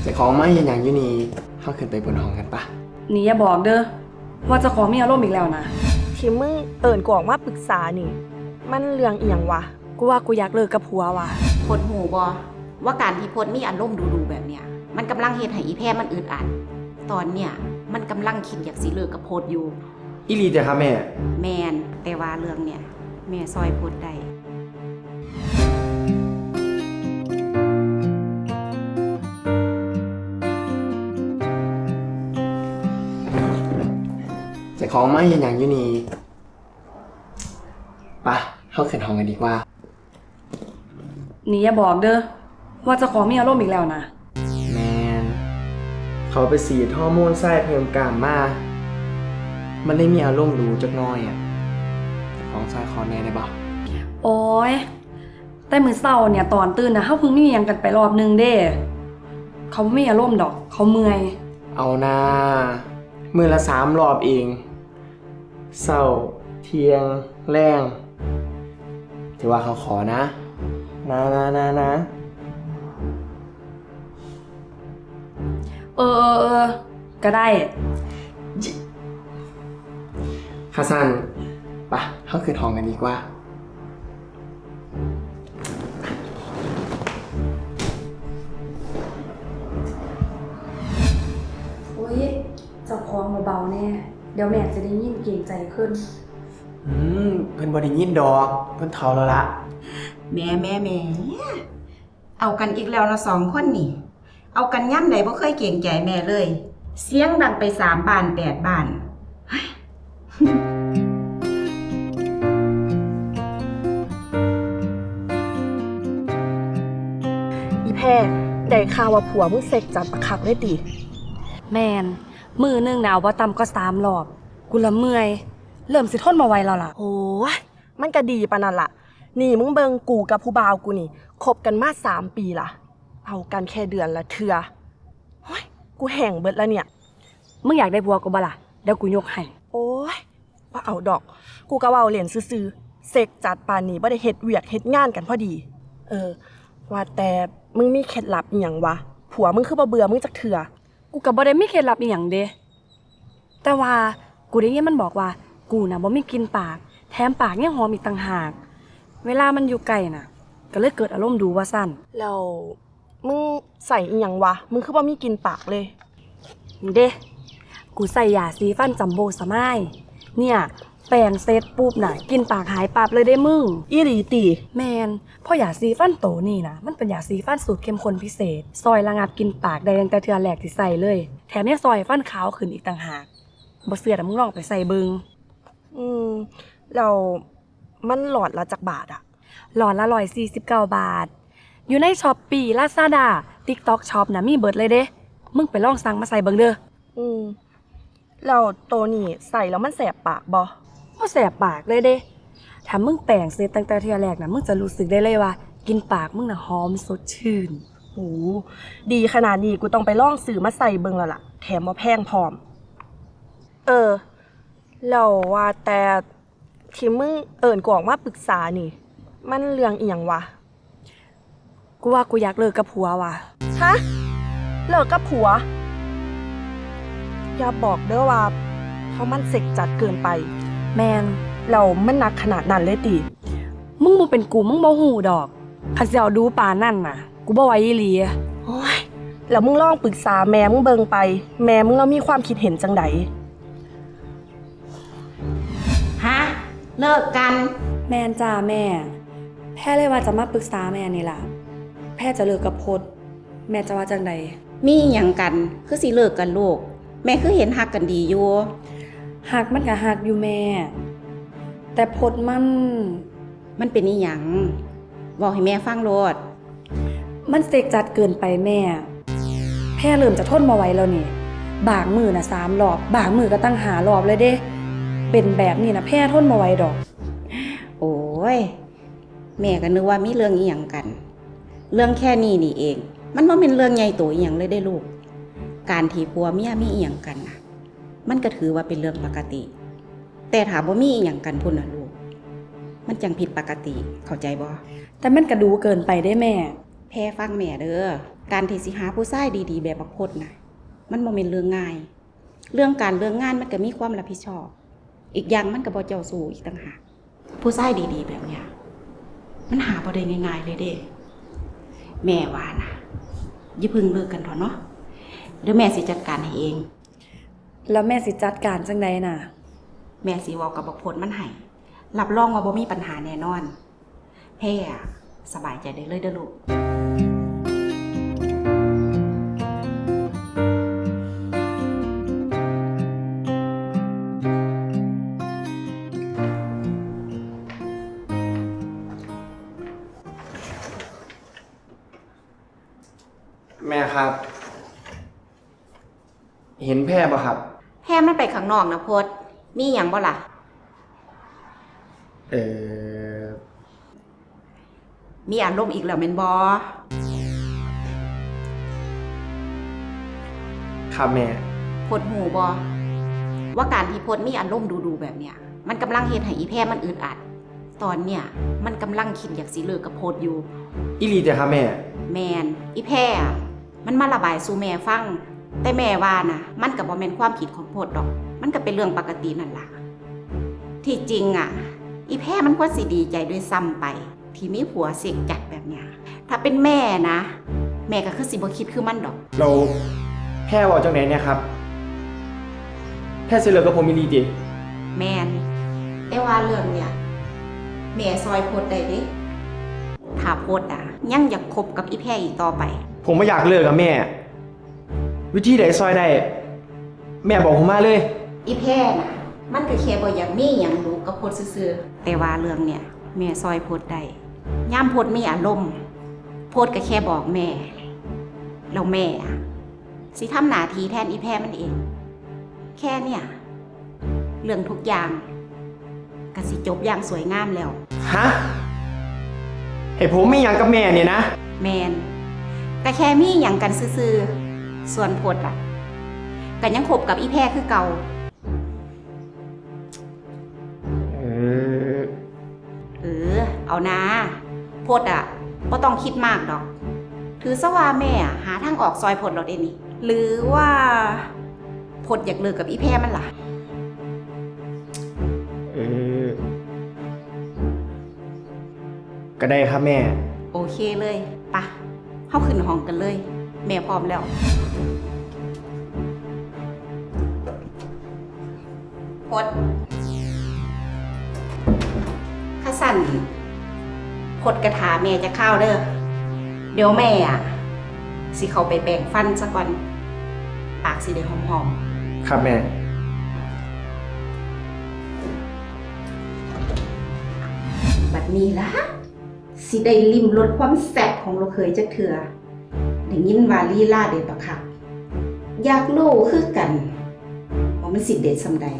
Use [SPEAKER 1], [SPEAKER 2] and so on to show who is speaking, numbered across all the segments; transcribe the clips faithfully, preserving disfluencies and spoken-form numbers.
[SPEAKER 1] จะของไม่อย่างยูนีเข้าขึ้นไปบนห้องกันปะ
[SPEAKER 2] นี่อย่าบอกเด้อว่าจะขอมีอารมณ์อีกแล้วนะ
[SPEAKER 3] ที่มึงเอิญกูออกมาปรึกษานี่มันเรื่องอีหยังวะ
[SPEAKER 2] กูว่ากูอยากเลิกกับผัวว่ะ
[SPEAKER 4] พดหูบอว่าการที่พดมีอารมณ์ดูๆแบบเนี้ยมันกำลังเฮ็ดให้อีแพรมันอึดอัดตอนเนี้ยมันกำลังคิดอยากสิเลิกกับพดอยู่
[SPEAKER 1] อีลีจ้ะครับแม่
[SPEAKER 4] แมนแต่ว่าเรื่องเนี้ยแม่ซอยพดได้
[SPEAKER 1] จะของไม่อย่างยูนีปะเข้าขึ้นห้องกันดีกว่า
[SPEAKER 2] นี่อย่าบอกเด้อว่าจะขอมีอารมณ์อีกแล้วนะ
[SPEAKER 1] แมนเขาไปสีฮอร์โมนไส้เพิ่มกล้ามมามันได้มีอารมณ์รู้จักน้อยอ่ะของไส้คอแน่ได้ปะ
[SPEAKER 2] โอ้ยแต่มื้อเช้าเนี่ยตอนตื่นนะเฮาเพิ่งมีหยังกันไปรอบนึงเด้เขาไม่มีอารมณ์ดอกเขาเมื่อย
[SPEAKER 1] เอานะมือละสามรอบเองเช้าเที่ยงแรงถือว่าเขาขอนะนะนะนะนะ
[SPEAKER 2] เออเออเออก็ได้
[SPEAKER 1] คาซันปะเข้าคืนห้องกันดีกว่า
[SPEAKER 2] โอ้ยเจ้าของเบาๆแน่เดี๋ยวแม่จะได้ยินเกรงใจขึ้น
[SPEAKER 1] อืมเพิ่นบ่ได้ยินดอกเพิ่นเฒ่าแล้วล่ะ
[SPEAKER 4] แม่แม่แม่เอากันอีกแล้วนะสองคนนี่เอากันย่ำไหนบ่เคยเก่งใจแม่เลยเสียงดังไปสามบ้านแปดบ้าน
[SPEAKER 3] อีแพรได้ข่าวว่าผัวมึงเสกจัดประคักเลยติ
[SPEAKER 2] แมนมือนึงหนาวว่าต่ำก็สามรอบกูละเมื่อยเริ่มสิทนมาไวแล้วล่ะ
[SPEAKER 3] โอ้ยมันก็ดีปะนั่นล่ะนี่มึงเบิงกูกับผู้บ่าวกูนี่คบกันมาสามปีล่ะเอากันแค่เดือนละเทื่อโอ้ยกูแห้งเบิดแล้วเนี่ย
[SPEAKER 2] มึงอยากได้ผัวกูบ่ล่ะเดี๋ยวกูยกให้
[SPEAKER 3] โอ้ยว่าเอาดอกกูก็เว้าเล่นซื่อๆเสกจัดปานนี้บ่ได้เฮ็ดเวียกเฮ็ดงานกันพอดีเออว่าแต่มึงมีเคล็ดลับอีหยังวะผัวมึงคือบ่เบื่อมึงจักเทื่อ
[SPEAKER 2] กูก็บ่ได้มีเคล็ดลับอีหยังเด้แต่ว่ากูได้ยินมันบอกว่ากูน่ะบ่มีกลิ่นปากแถมปากยังหอมอีกต่างหากเวลามันอยู่ใกล้น่ะก็เลยเกิดอารมณ์ดูว่าซั่น
[SPEAKER 3] แล้วมึงใส่อีหยังวะมึงคือบ่มีกลิ่นปากเลย
[SPEAKER 2] เด้กูใส่ยาสีฟันจัมโบ้สมายเนี่ยแปรงเสร็จปุ๊บน่ะกลิ่นปากหายปับเลยได้มึง
[SPEAKER 3] อีหลีติ
[SPEAKER 2] แมนเพราะยาสีฟันโตนี่น่ะมันเป็นยาสีฟันสูตรเข้มข้นพิเศษซอยระงับกลิ่นปากได้ตั้งแต่เทื่อแรกที่ใส่เลยแถมยังซอยฟันขาวขึ้นอีกต่างหากบ่เชื่อน่ะมึงลองไปใส่เบิ่ง
[SPEAKER 3] อืมแล้วมันหลอดละจักบาทอะ
[SPEAKER 2] หลอดละหนึ่งร้อยสี่สิบเก้าบาทอยู่ใน Shopee Lazada TikTok Shop น่ะมีเบิดเลยเด้มึงไปลองสั่งมาใส่เบิ่งเด้อ
[SPEAKER 3] อืมแล้วตัวนี้ใส่แล้วมันแสบปากบ่
[SPEAKER 2] บ่แสบปากเลยเด้ถ้ามึงแปรงเสร็จตั้งแต่เทื่อแรกน่ะมึงจะรู้สึกได้เลยว่ากินปากมึงน่ะหอมสดชื่น
[SPEAKER 3] โหดีขนาดนี้กูต้องไปลองซื้อมาใส่เบิ่งแล้วล่ะแถมบ่แพงพร้อมเออแล้วว่าแต่ที่มึงเอิ้นกูออกมาปรึกษานี่มันเรื่องอีหยังวะ
[SPEAKER 2] กูว่ากูอยากเลิกกับผัวว่ะ
[SPEAKER 3] ฮะเลิกกับผัวอย่าบอกเด้อว่าเพราะมันเสกจัดเกินไป
[SPEAKER 2] แมน
[SPEAKER 3] เรามันหนักขนาดนั้นเลยติ
[SPEAKER 2] มึงบ่เป็นกูมึงบ่ฮู้ดอกคันสิเอาดูปานนั่นน่ะกูบ่ไหวอีหลี
[SPEAKER 3] โอ้ยแล้วมึงลองปรึกษาแม่มึงเบิ่งไปแม่มึงแล้วมีความคิดเห็นจังได
[SPEAKER 4] ฮะเลิกกัน
[SPEAKER 2] แม่นจ้าแม่แพ่เลยว่าจะมาปรึกษาแม่นี่ล่ะแพ่จะเลิกกับพดแม่จะว่าจังใด
[SPEAKER 4] มีหยังกันคือสิเลิกกันลูกแม่คือเห็นฮักกันดีอยู่
[SPEAKER 2] ฮักมันก็ฮักอยู่แม่แต่พดมัน
[SPEAKER 4] มันเป็นอีหยังบอกให้แม่ฟังโลด
[SPEAKER 2] มันเสกจัดเกินไปแม่แพ่เริ่มจะทนบ่ไหวแล้วนี่บางมือน่ะสามรอบบางมือก็ตั้งห้ารอบเลยเด้เป็นแบบนี้นะแพ่ทนบ่ไหวดอก
[SPEAKER 4] โอ้ยแม่ก็นึกว่ามีเรื่องอีหยังกันเรื่องแค่นี้นี่เองมันบ่เป็นเรื่องใหญ่โตอีหยังเลยได้ลูกการที่ผัวเมียมีอีหยังกันน่ะมันก็ถือว่าเป็นเรื่องปกติแต่ถ้าบ่มีอีหยังกันพุ่นน่ะลูกมันจังผิดปกติเข้าใจบ่
[SPEAKER 2] แต่มันก็ดูเกินไปได้แม่
[SPEAKER 4] แพ่ฟังแม่เด้อการที่สิหาผู้ชายดีๆแบบบักพดนะมันบ่แม่นเรื่องง่ายเรื่องการเรื่องงานมันก็มีความรับผิดชอบอีกอย่างมันก็บ่เจ้าสู้อีกต่างหากผู้ชายดีๆแบบเนี้ยมันหาบ่ได้ง่ายๆเลยเด้แม่ว่านะอย่าเพิ่งเลิกกันเถอะเนาะเดี๋ยวแม่สิจัดการให้เอง
[SPEAKER 2] แล้วแม่สิจัดการจังใดน่ะ
[SPEAKER 4] แม่สิเว้ากับบักพดมันให้รับรองว่าบ่มีปัญหาแน่นอนแพ่อะสบายใจได้เลยเด้อลูก
[SPEAKER 1] แม่ครับ เห็นแพร่ปะครับ
[SPEAKER 4] แพ่มันไปข้างนอกนะพดมีหยังบ่ล่ะ
[SPEAKER 1] เออ
[SPEAKER 4] มีอารมณ์อีกแล้วแม่นบ่
[SPEAKER 1] ครับแม่
[SPEAKER 4] พดหูบ่ว่าการที่พดมีอารมณ์ดูๆแบบเนี้ยมันกำลังเฮ็ดให้อีแพ่มันอึดอัดตอนเนี้ยมันกำลังคิดอยากสิเลิกกับพดอยู่
[SPEAKER 1] อีหลีแต่ครับแม่
[SPEAKER 4] แมนอีแพ่อะมันมาระบายสู่แม่ฟังแต่แม่ว่านะมันก็บ่แม่นความผิดของพดดอกมันก็เป็นเรื่องปกตินั่นล่ะที่จริงอ่ะอีแพ่มันควรสิดีใจด้วยซ้ำไปที่มีผัวเสกจัดแบบเนี้ยถ้าเป็นแม่นะแม่ก็คือสิบ่คิดคือมันดอก
[SPEAKER 1] เราแพร่บอกจังไหนเนี่ยครับ แพร่เสยเหลือกับผมอีหลีดิ
[SPEAKER 4] แมนแต่ว่าเรื่องเนี่ยแม่ซอยพดได้เด้ถ้าพดอ่ะยังอยากคบกับอีแพ่อีกต่อไป
[SPEAKER 1] ผมไม่อยากเลิกกับแม่ วิธีใดซอยได้ แม่บอกผมมาเลย
[SPEAKER 4] อีแพ่น่ะมันก็แค่บ่อยากมีหยังรู้กับพดซื่อๆแต่ว่าเรื่องเนี่ยแม่ซอยพดได้ย่ามพดมีอารมณ์พดก็แค่บอกแม่แล้วแม่อะสิทำหน้าที่แทนอีแพ่มันเอง แค่เนี่ยเรื่องทุกอย่างก็สิจบอย่างสวยงามแล้ว
[SPEAKER 1] ฮะให้ผมไม่อยากกับแม่เนี่ยนะ
[SPEAKER 4] แมนก็แค่มีหยังกันซื่อๆส่วนพดอ่ะก็ยังคบกับอีแพ่คือเก่า
[SPEAKER 1] เออ
[SPEAKER 4] เออเอานะพดอ่ะบ่ต้องคิดมากดอก ถือซะว่าแม่อะหาทางออกซอยพดเราได้นี่หรือว่าพดอยากเลิกกับอีแพ่มันล่ะ
[SPEAKER 1] เออ ก็ได้ครับแม่
[SPEAKER 4] โอเคเลยปะเข้าขึ้นห้องกันเลย แม่พร้อมแล้วพดข้าสั่นพดกระถาแม่จะเข้าเด้อเดี๋ยวแม่อ่ะสิเขาไปแปรงฟันซะก่อนปากสิได้หอมๆ
[SPEAKER 1] ครับแม่
[SPEAKER 4] บัดนี้ละสิได้ลิ้มรสความแซ่บของเราเคยจักเถื่อได้ยินว่าลีลาเด็ดบักคักอยากรู้คือกันว่ามันสิเด็ดสำใด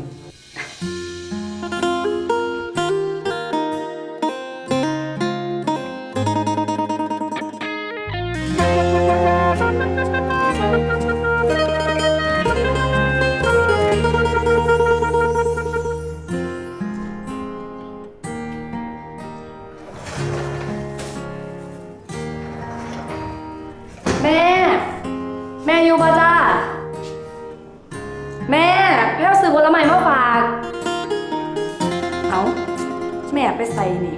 [SPEAKER 2] แม่ แม่อยู่บ่จ้าแม่แพ้ซื้อผลไม้มาฝากเอาแม่ไปใส่นี่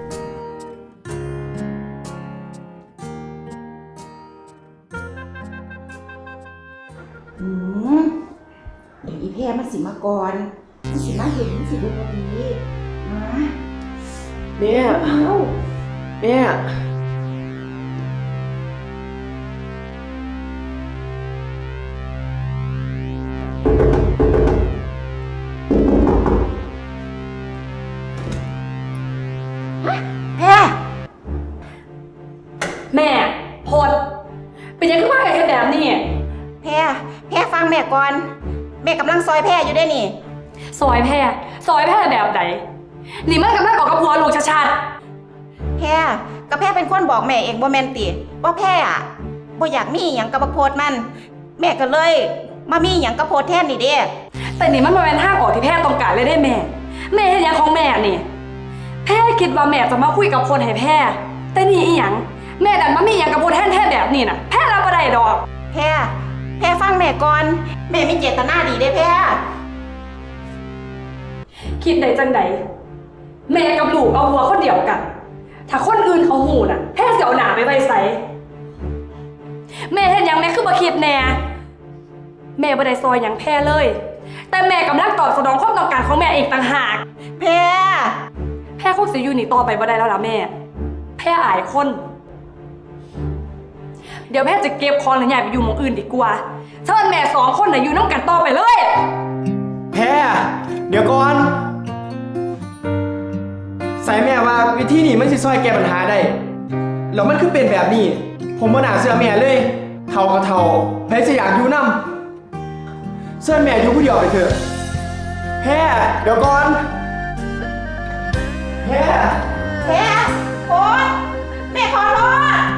[SPEAKER 4] อืมเดี๋ยวอีแพรมันสิมาก่อนมันสิมาเห็นมันสิดูพอดีมา
[SPEAKER 1] แม่
[SPEAKER 4] เอา
[SPEAKER 1] แม่
[SPEAKER 4] แพร
[SPEAKER 2] แม่พดเป็นยังไงขึ้นมากับแบบนี้
[SPEAKER 4] แพรแพรฟังแม่ก่อนแม่กำลังซอยแพรอยู่ได้นี่
[SPEAKER 2] ซอยแพร่ซอยแพร่แบบไหนนี่มันกำลังออกกับหัวลูกชัด
[SPEAKER 4] แพรก็แพรเป็นคนบอกแม่เองบ่แม่นติว่าแพรอ่ะบ่อยากมีหยังกับบักโพดมัน แม่ก็เลยมามีหยังกับโพดแทนนี่เด้
[SPEAKER 2] ๆแต่นี่มันมาเป็นทางออกที่แพร่ต้องการเลยได้แม่ แม่เห็นยังของแม่นี่ แพร่คิดว่าแม่จะมาคุยกับคนให้แพร่แต่นี่อีหยังแม่ดันมามีอย่างกับพูดแท่นๆแบบนี้น่ะแพ้รับบ่ได้ดอก
[SPEAKER 4] แพรแพรฟังแม่ก่อน แม่มีเจตนาดีเด้แพร
[SPEAKER 2] คิดได้จังใดแม่กับลูกเอาหัวคนเดียวกัน ถ้าคนอื่นเขาหูน่ะแพ้เสียวหนาไปไว้ใสแม่เห็นยังแม่คือบ่คิดแน่แม่บ่ได้ซอยหยังแพ้เลย แต่แม่กำลังตอบสนองความต้องการของแม่เองต่างหาก
[SPEAKER 4] แพร
[SPEAKER 2] แพ้คงสิอยู่นี่ต่อไปบ่ได้แล้วล่ะแม่แพ้อายคน เดี๋ยวแม่จะเก็บของหรือใหญ่ไปอยู่หมู่อื่นดีกว่าเชิญแม่สองคนน่ะอยู่น้ำกันต่อไปเลย
[SPEAKER 1] แพ้เดี๋ยวก่อน ใส่แม่ว่าวิธีนี้มันสิช่วยแก้ปัญหาได้แล้วมันคือเป็นแบบนี้ ผมบ่น่าเชื่อแม่เลยเท่ากับเท่าแพ้จะอยากอยู่นำเชิญแม่อยู่ผู้เดียวไปเถอะแพ้เดี๋ยวก่อนแพ้
[SPEAKER 4] แพรโอ๊ยแม่ขอโทษ